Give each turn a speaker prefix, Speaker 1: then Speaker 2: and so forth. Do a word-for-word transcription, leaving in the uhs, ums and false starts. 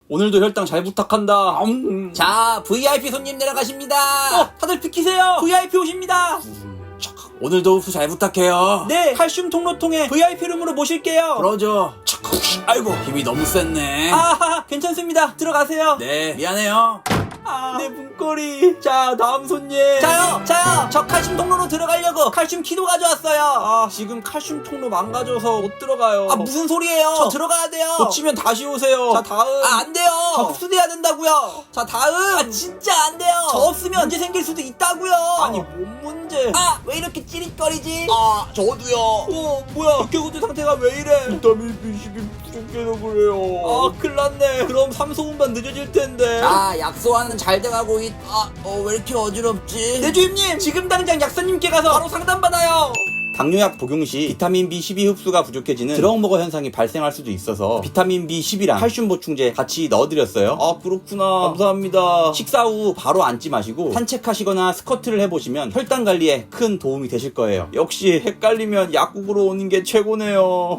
Speaker 1: 오늘도 혈당 잘 부탁한다. 음.
Speaker 2: 자, 브이아이피 손님 내려가십니다.
Speaker 1: 어, 다들 비키세요. 브이아이피 오십니다. 오늘도 흡수 잘 부탁해요. 네, 칼슘 통로통에 브이아이피 룸으로 모실게요.
Speaker 2: 그러죠.
Speaker 1: 아이고, 힘이 너무 셌네. 아, 괜찮습니다. 들어가세요. 네, 미안해요. 아, 내 문고리. 자, 다음 손님.
Speaker 2: 자요, 자요.
Speaker 1: 저 칼슘 통로로 들어가려고 칼슘 키도 가져왔어요. 아, 지금 칼슘 통로 망가져서 못 들어가요.
Speaker 2: 아, 무슨 소리예요?
Speaker 1: 저 들어가야 돼요. 놓치면 다시 오세요. 자, 다음.
Speaker 2: 아, 안 돼요.
Speaker 1: 저 흡수돼야 된다고요. 자, 다음.
Speaker 2: 아, 진짜 안 돼요.
Speaker 1: 저 없으면 문제 생길 수도 있다고요. 아니, 뭔 문제?
Speaker 2: 아, 왜 이렇게 찌릿거리지?
Speaker 1: 아, 저도요. 어, 뭐야? 백개구대 상태가 왜 이래? 비타민 비 십이 부족해서 그래요. 아, 큰일 났네. 그럼 삼소분만 늦어질 텐데.
Speaker 2: 자, 약소화는 잘 돼가고 있... 아, 어, 왜 이렇게 어지럽지?
Speaker 1: 네, 주임님! 지금 당장 약사님께 가서 바로 상담받아요! 당뇨약 복용 시 비타민 비 십이 흡수가 부족해지는 드럭머거 현상이 발생할 수도 있어서 비타민 비 십이랑 칼슘 보충제 같이 넣어드렸어요. 아, 그렇구나. 감사합니다. 식사 후 바로 앉지 마시고 산책하시거나 스쿼트를 해보시면 혈당 관리에 큰 도움이 되실 거예요. 역시 헷갈리면 약국으로 오는 게 최고네요.